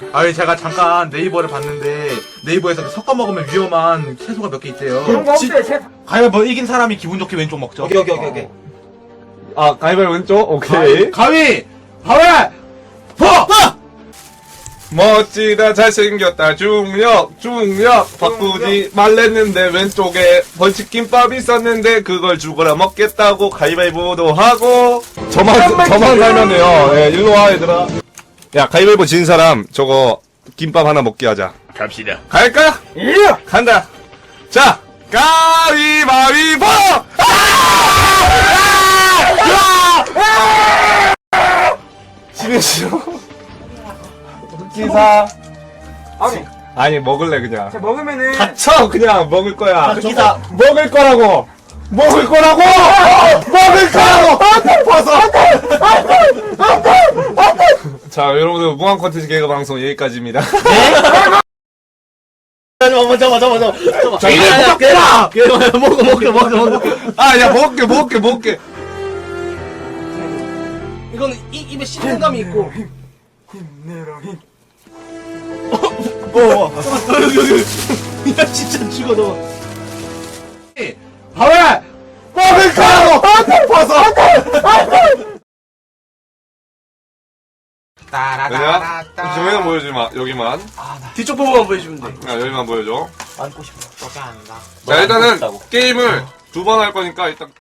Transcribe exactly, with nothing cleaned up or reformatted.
아니 제가 잠깐 네이버를 봤는데 네이버에서 섞어 먹으면 위험한 채소가 몇 개 있대요. 그런 거 없어요. 제 가위바위보 이긴 사람이 기분 좋게 왼쪽 먹죠. 오케이 오케이 오케이 오케이. 아, 가위바위보 왼쪽? 오케이. 가위! 가위! 보! 멋지다, 잘생겼다, 중력, 중력. 바꾸지 말랬는데, 왼쪽에 벌칙김밥 있었는데, 그걸 죽어라 먹겠다고 가위바위보도 하고. 저만, 저만 살면 돼요. 예, 일로 와, 얘들아. 야, 가위바위보 진 사람, 저거, 김밥 하나 먹게 하자. 갑시다. 갈까? 예. 간다. 자, 가위바위보! 지는 싫어. 기사. 아니 아니, 먹을래, 그냥. 제가 먹으면은 닥쳐, 그냥 먹을 거야. 기사 먹을 거라고! 먹을 거라고! 먹을 거라고! 벗어! 자, 여러분들, 무한 콘텐츠 개그 방송 여기까지입니다. 잠깐만 잠깐만 잠깐만 잠깐만 자, 이래 먹겠다! 먹어 먹어 먹어 먹어 아, 야, 먹을게, 먹을게, 먹을게. 이거는 이, 입에 씹는감이 있고 야 진짜 죽어 너 하왜! 먹을 거라고! 벗어! 그냥, 조용히 보여주지 마, 여기만. 뒤쪽 부분만 보여주면 돼 야, 여기만 보여줘. 안고 싶어. 자, 일단은, 게임을 두 번 할 거니까, 일단.